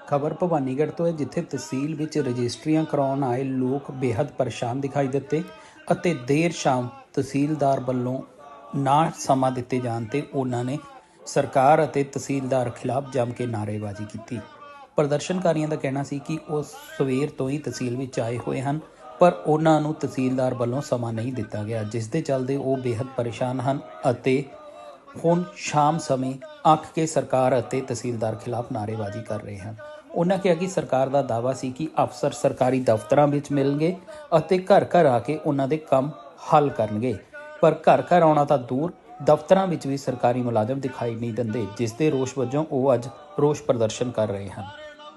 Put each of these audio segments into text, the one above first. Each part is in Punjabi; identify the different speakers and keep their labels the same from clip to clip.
Speaker 1: ਖਬਰ ਭਵਾਨੀਗੜ੍ਹ ਤੋਂ ਹੈ, ਜਿੱਥੇ ਤਹਿਸੀਲ ਵਿੱਚ ਰਜਿਸਟਰੀਆਂ ਕਰਾਉਣ ਆਏ ਲੋਕ ਬੇहद ਪਰੇਸ਼ਾਨ ਦਿਖਾਈ ਦਿੱਤੇ ਅਤੇ ਦੇਰ ਸ਼ਾਮ ਤਹਿਸੀਲਦਾਰ ਵੱਲੋਂ ਨਾ ਸਮਾਂ ਦਿੱਤੇ ਜਾਣ ਤੇ ਉਹਨਾਂ ਨੇ ਸਰਕਾਰ ਅਤੇ ਤਹਿਸੀਲਦਾਰ ਖਿਲਾਫ ਜੰਮ ਕੇ ਨਾਅਰੇਬਾਜ਼ੀ ਕੀਤੀ। ਪ੍ਰਦਰਸ਼ਨਕਾਰੀਆਂ ਦਾ ਕਹਿਣਾ ਸੀ ਕਿ ਉਹ ਸਵੇਰ ਤੋਂ ਹੀ ਤਹਿਸੀਲ ਵਿੱਚ ਆਏ ਹੋਏ ਹਨ, ਪਰ ਉਹਨਾਂ ਨੂੰ ਤਹਿਸੀਲਦਾਰ ਵੱਲੋਂ ਸਮਾਂ ਨਹੀਂ ਦਿੱਤਾ ਗਿਆ, ਜਿਸ ਦੇ ਚੱਲਦੇ ਉਹ ਬੇहद ਪਰੇਸ਼ਾਨ ਹਨ ਅਤੇ ਹੁਣ ਸ਼ਾਮ ਸਮੇਂ ਅੱਕ ਕੇ ਸਰਕਾਰ ਅਤੇ ਤਹਿਸੀਲਦਾਰ ਖਿਲਾਫ ਨਾਅਰੇਬਾਜ਼ੀ ਕਰ ਰਹੇ ਹਨ। ਉਹਨਾਂ ਕਿਹਾ ਕਿ ਸਰਕਾਰ ਦਾ ਦਾਅਵਾ ਸੀ ਕਿ ਅਫਸਰ ਸਰਕਾਰੀ ਦਫ਼ਤਰਾਂ ਵਿੱਚ ਮਿਲਣਗੇ ਅਤੇ ਘਰ ਘਰ ਆ ਕੇ ਉਹਨਾਂ ਦੇ ਕੰਮ ਹੱਲ ਕਰਨਗੇ, ਪਰ ਘਰ ਘਰ ਆਉਣਾ ਤਾਂ ਦੂਰ, ਦਫ਼ਤਰਾਂ ਵਿੱਚ ਵੀ ਸਰਕਾਰੀ ਮੁਲਾਜ਼ਮ ਦਿਖਾਈ ਨਹੀਂ ਦਿੰਦੇ, ਜਿਸ ਦੇ ਰੋਸ ਵਜੋਂ ਉਹ ਅੱਜ ਰੋਸ ਪ੍ਰਦਰਸ਼ਨ ਕਰ ਰਹੇ ਹਨ।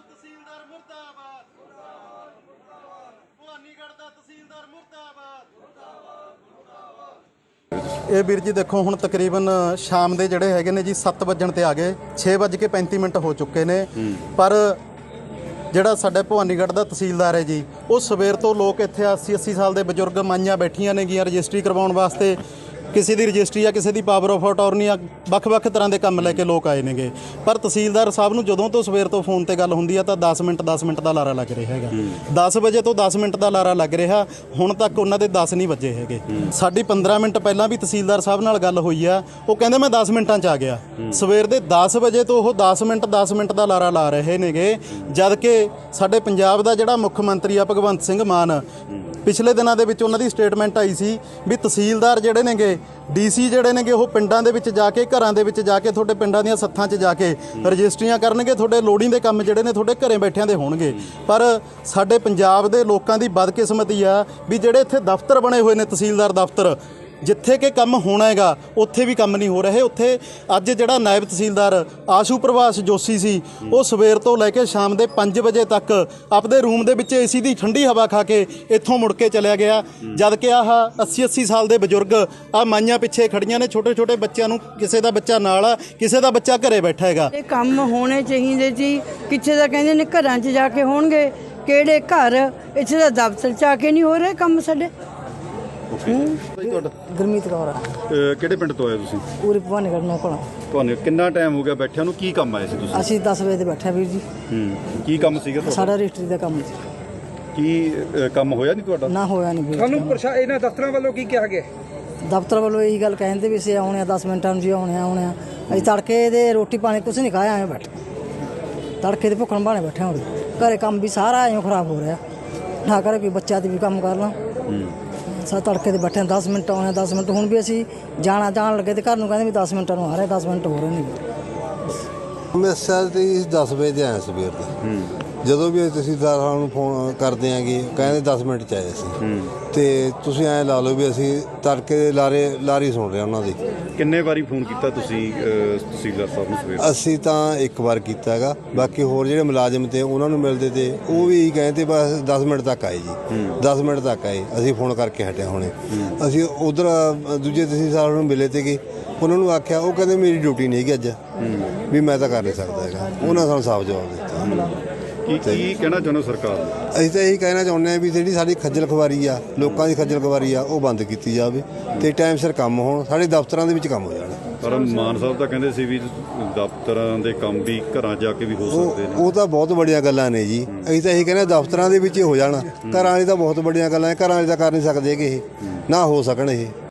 Speaker 2: ਇਹ ਵੀਰ ਜੀ ਦੇਖੋ, ਹੁਣ ਤਕਰੀਬਨ ਸ਼ਾਮ ਦੇ ਜਿਹੜੇ ਹੈਗੇ ਨੇ ਜੀ 7 ਵਜਣ ਤੇ ਆ ਗਏ, 6:35 ਹੋ ਚੁੱਕੇ ਨੇ, ਪਰ ਜਿਹੜਾ ਸਾਡੇ ਭਵਾਨੀਗੜ੍ਹ ਦਾ ਤਹਿਸੀਲਦਾਰ ਹੈ ਜੀ, ਉਹ ਸਵੇਰ ਤੋਂ ਲੋਕ ਇੱਥੇ 80 ਸਾਲ ਦੇ ਬਜ਼ੁਰਗ ਮਾਈਆਂ ਬੈਠੀਆਂ ਨੇਗੀਆਂ ਰਜਿਸਟਰੀ ਕਰਵਾਉਣ ਵਾਸਤੇ। ਕਿਸੇ ਦੀ ਰਜਿਸਟਰੀ ਆ, ਕਿਸੇ ਦੀ ਪਾਵਰ ਆਫ ਅਟਾਰਨੀ ਆ, ਵੱਖ-ਵੱਖ ਤਰ੍ਹਾਂ ਦੇ ਕੰਮ ਲੈ ਕੇ ਲੋਕ ਆਏ ਨੇਗੇ। ਪਰ ਤਹਿਸੀਲਦਾਰ ਸਾਹਿਬ ਨੂੰ ਜਦੋਂ ਤੋਂ ਸਵੇਰ ਤੋਂ ਫੋਨ ਤੇ ਗੱਲ ਹੁੰਦੀ ਆ ਤਾਂ 10 ਮਿੰਟ ਦਾ ਲਾਰਾ ਲੱਗ ਰਿਹਾ ਹੈਗਾ। 10 ਵਜੇ ਤੋਂ 10 ਮਿੰਟ ਦਾ ਲਾਰਾ ਲੱਗ ਰਿਹਾ, ਹੁਣ ਤੱਕ ਉਹਨਾਂ ਦੇ 10 ਨਹੀਂ ਵੱਜੇ ਹੈਗੇ। ਸਾਡੀ 15 ਮਿੰਟ ਪਹਿਲਾਂ ਵੀ ਤਹਿਸੀਲਦਾਰ ਸਾਹਿਬ ਨਾਲ ਗੱਲ ਹੋਈ ਆ, ਉਹ ਕਹਿੰਦੇ ਮੈਂ 10 ਮਿੰਟਾਂ 'ਚ ਆ ਗਿਆ। ਸਵੇਰ ਦੇ 10 ਵਜੇ ਤੋਂ ਉਹ 10 ਮਿੰਟ ਦਾ ਲਾਰਾ ਲਾ ਰਹੇ ਨੇਗੇ, ਜਦ ਕਿ ਸਾਡੇ ਪੰਜਾਬ ਦਾ ਜਿਹੜਾ ਮੁੱਖ ਮੰਤਰੀ ਆ ਭਗਵੰਤ ਸਿੰਘ ਮਾਨ, ਪਿਛਲੇ ਦਿਨਾਂ ਦੇ ਵਿੱਚ ਉਹਨਾਂ ਦੀ ਸਟੇਟਮੈਂਟ ਆਈ ਸੀ ਵੀ ਤਹਿਸੀਲਦਾਰ ਜਿਹੜੇ ਨੇਗੇ, ਡੀਸੀ ਜਿਹੜੇ ਨੇਗੇ, ਉਹ ਪਿੰਡਾਂ ਦੇ ਵਿੱਚ ਜਾ ਕੇ, ਘਰਾਂ ਦੇ ਵਿੱਚ ਜਾ ਕੇ, ਤੁਹਾਡੇ ਪਿੰਡਾਂ ਦੀਆਂ ਸੱਥਾਂ 'ਚ ਜਾ ਕੇ ਰਜਿਸਟਰੀਆਂ ਕਰਨਗੇ, ਤੁਹਾਡੇ ਲੋੜੀਂਦੇ ਕੰਮ ਜਿਹੜੇ ਨੇ ਤੁਹਾਡੇ ਘਰੇ ਬੈਠਿਆਂ ਦੇ ਹੋਣਗੇ। ਪਰ ਸਾਡੇ ਪੰਜਾਬ ਦੇ ਲੋਕਾਂ ਦੀ ਬਦਕਿਸਮਤੀ ਆ ਵੀ ਜਿਹੜੇ ਇੱਥੇ ਦਫ਼ਤਰ ਬਣੇ ਹੋਏ ਨੇ, ਤਹਿਸੀਲਦਾਰ ਦਫ਼ਤਰ, ਜਿੱਥੇ ਕਿ ਕੰਮ ਹੋਣਾ ਹੈਗਾ ਉੱਥੇ ਵੀ ਕੰਮ ਨਹੀਂ ਹੋ ਰਹੇ। ਉੱਥੇ ਅੱਜ ਜਿਹੜਾ ਨਾਇਬ ਤਹਿਸੀਲਦਾਰ ਆਸ਼ੂ ਪ੍ਰਭਾਸ ਜੋਸ਼ੀ ਸੀ, ਉਹ ਸਵੇਰ ਤੋਂ ਲੈ ਕੇ ਸ਼ਾਮ ਦੇ 5 ਵਜੇ ਤੱਕ ਆਪਦੇ ਰੂਮ ਦੇ ਵਿੱਚ ਏਸੀ ਦੀ ਠੰਡੀ ਹਵਾ ਖਾ ਕੇ ਇੱਥੋਂ ਮੁੜ ਕੇ ਚਲਿਆ ਗਿਆ, ਜਦ ਕਿ ਆਹ 80 ਸਾਲ ਦੇ ਬਜ਼ੁਰਗ ਆ ਮਾਈਆਂ ਪਿੱਛੇ ਖੜੀਆਂ ਨੇ, ਛੋਟੇ ਬੱਚਿਆਂ ਨੂੰ, ਕਿਸੇ ਦਾ ਬੱਚਾ ਨਾਲ ਆ, ਕਿਸੇ ਦਾ ਬੱਚਾ ਘਰੇ ਬੈਠਾ ਹੈਗਾ।
Speaker 3: ਇਹ ਕੰਮ ਹੋਣੇ ਚਾਹੀਦੇ ਜੀ, ਕਿਸੇ ਦਾ ਕਹਿੰਦੇ ਨੇ ਘਰਾਂ 'ਚ ਜਾ ਕੇ ਹੋਣਗੇ, ਕਿਹੜੇ ਘਰ, ਇੱਥੇ ਦਾ ਦਫ਼ਤਰ 'ਚ ਆ ਕੇ ਨਹੀਂ ਹੋ ਰਹੇ ਕੰਮ ਸਾਡੇ।
Speaker 4: ਗੁਰਮੀਤ ਕੌਰ ਆ।
Speaker 5: ਕਿਹੜੇ ਪਿੰਡ ਤੋਂ ਆਏ ਤੁਸੀਂ?
Speaker 4: ਪੂਰੀ ਭਵਾਨੀਗੜ੍ਹ ਨੌਕਣਾ।
Speaker 5: ਤੁਹਾਨੂੰ ਕਿੰਨਾ ਟਾਈਮ ਹੋ ਗਿਆ ਬੈਠਿਆਂ ਨੂੰ? ਕੀ ਕੰਮ ਆਏ ਸੀ ਤੁਸੀਂ?
Speaker 4: ਅਸੀਂ 10 ਵਜੇ ਤੇ ਬੈਠੇ ਵੀਰ ਜੀ।
Speaker 5: ਕੀ ਕੰਮ ਸੀਗਾ ਤੁਹਾਡਾ?
Speaker 4: ਸਾਡਾ ਰਜਿਸਟਰੀ ਦਾ ਕੰਮ ਸੀ।
Speaker 5: ਕੀ ਕੰਮ ਹੋਇਆ ਨਹੀਂ ਤੁਹਾਡਾ?
Speaker 4: ਨਾ ਹੋਇਆ ਨਹੀਂ ਵੀਰ।
Speaker 6: ਤੁਹਾਨੂੰ ਇਹਨਾਂ ਦਫ਼ਤਰਾਂ ਵੱਲੋਂ ਕੀ ਕਿਹਾ ਗਿਆ?
Speaker 4: ਦਫ਼ਤਰ ਵੱਲੋਂ ਇਹੀ ਗੱਲ ਕਹਿੰਦੇ ਵੀ ਅਸੀਂ ਆਉਣੇ ਆ 10 ਮਿੰਟਾਂ ਨੂੰ ਜੀ, ਆਉਣੇ ਆ। ਅਸੀਂ ਤੜਕੇ ਦੇ ਰੋਟੀ ਪਾਣੀ ਕੁਛ ਨਹੀਂ ਖਾਇਆ, ਐਵੇਂ ਬੈਠੇ ਤੜਕੇ ਦੇ ਭੁੱਖਣ ਭਾਣੇ ਬੈਠੇ ਹੋਣ। ਘਰੇ ਕੰਮ ਵੀ ਸਾਰਾ ਐਂ ਖਰਾਬ ਹੋ ਰਿਹਾ, ਨਾ ਕਰੇ ਕੋਈ ਬੱਚਾ ਦੀ ਵੀ ਕੰਮ ਕਰ ਲਾਂ। ਤੜਕੇ ਦੇ ਬੈਠੇ 10 ਮਿੰਟ ਆਉਣੇ, 10 ਮਿੰਟ। ਹੁਣ ਵੀ ਅਸੀਂ ਜਾਣ ਲੱਗੇ ਤੇ ਘਰ ਨੂੰ ਕਹਿੰਦੇ ਵੀ 10 ਮਿੰਟਾਂ ਨੂੰ ਆ ਰਹੇ, 10 ਮਿੰਟ ਹੋ ਰਹੇ ਨੇ।
Speaker 7: ਮੈਂ ਸਰ ਤੇ 10 ਵਜੇ ਤੇ ਆਇਆ ਸਵੇਰ ਦੇ। ਜਦੋਂ ਵੀ ਤਹਿਸੀਲਦਾਰਾਂ ਨੂੰ ਫੋਨ ਕਰਦੇ ਆਂਗੇ, ਕਹਿੰਦੇ 10 ਮਿੰਟ 'ਚ ਆਏ ਸੀ। ਤੇ ਤੁਸੀਂ ਐਂ ਲਾ ਲਓ ਵੀ ਅਸੀਂ ਤੜਕੇ ਦੇ ਲਾਰੀ ਸੁਣ ਰਹੇ ਉਹਨਾਂ ਦੀ।
Speaker 5: ਕਿੰਨੇ ਵਾਰੀ ਫੋਨ ਕੀਤਾ ਤੁਸੀਂ ਤਹਿਸੀਲਦਾਰ ਸਾਹਿਬ ਨੂੰ ਸਵੇਰ?
Speaker 7: ਅਸੀਂ ਤਾਂ ਇੱਕ ਵਾਰ ਕੀਤਾ ਹੈਗਾ, ਬਾਕੀ ਹੋਰ ਜਿਹੜੇ ਮੁਲਾਜ਼ਮ ਤੇ ਉਹਨਾਂ ਨੂੰ ਮਿਲਦੇ ਤੇ ਉਹ ਵੀ ਕਹਿੰਦੇ ਬਸ 10 ਮਿੰਟ ਤੱਕ ਆਏ ਜੀ, 10 ਮਿੰਟ ਤੱਕ ਆਏ। ਅਸੀਂ ਫੋਨ ਕਰਕੇ ਹਟਿਆ ਹੁਣੇ। ਅਸੀਂ ਉਧਰ ਦੂਜੇ ਤਹਿਸੀਲਦਾਰ ਨੂੰ ਮਿਲੇ ਤੇ ਉਹਨਾਂ ਨੂੰ ਆਖਿਆ, ਉਹ ਕਹਿੰਦੇ ਮੇਰੀ ਡਿਊਟੀ ਨਹੀਂ ਹੈਗੀ ਅੱਜ, ਵੀ ਮੈਂ ਤਾਂ ਕਰ ਨਹੀਂ ਸਕਦਾ ਹੈਗਾ। ਉਹਨਾਂ ਸਾਨੂੰ ਸਾਫ਼ ਜਵਾਬ ਦਿੱਤਾ।
Speaker 5: ਕੀ ਕਹਿਣਾ ਚਾਹੁੰਦੇ ਸਰਕਾਰ ਨੂੰ?
Speaker 7: ਅਸੀਂ ਤਾਂ ਇਹੀ ਕਹਿਣਾ ਚਾਹੁੰਦੇ ਹਾਂ ਵੀ ਜਿਹੜੀ ਸਾਡੀ ਖੱਜਲ ਖਵਾਰੀ ਆ, ਲੋਕਾਂ ਦੀ ਖੱਜਲ ਖਵਾਰੀ ਆ, ਉਹ ਬੰਦ ਕੀਤੀ ਜਾਵੇ ਤੇ ਟਾਈਮ ਸਿਰ ਕੰਮ ਹੋਣ, ਸਾਡੇ ਦਫ਼ਤਰਾਂ ਦੇ ਵਿੱਚ ਕੰਮ ਹੋ ਜਾਣ।
Speaker 5: ਪਰ ਮਾਨ ਸਾਹਿਬ ਤਾਂ ਕਹਿੰਦੇ ਸੀ ਵੀ ਦਫ਼ਤਰਾਂ ਦੇ ਕੰਮ ਵੀ ਘਰਾਂ ਜਾ ਕੇ ਵੀ ਹੋ ਸਕਦੇ ਨੇ।
Speaker 7: ਉਹ ਤਾਂ ਬਹੁਤ ਵੱਡੀਆਂ ਗੱਲਾਂ ਨੇ ਜੀ। ਅਸੀਂ ਤਾਂ ਇਹੀ ਕਹਿੰਦੇ ਦਫ਼ਤਰਾਂ ਦੇ ਵਿੱਚ ਹੀ ਹੋ ਜਾਣ। ਘਰਾਂ ਵਾਲੀ ਤਾਂ ਬਹੁਤ ਵੱਡੀਆਂ ਗੱਲਾਂ, ਘਰਾਂ ਵਾਲੀ ਤਾਂ ਕਰ ਨਹੀਂ ਸਕਦੇ ਕਿ ਇਹ ਨਾ ਹੋ ਸਕਣ ਇਹ।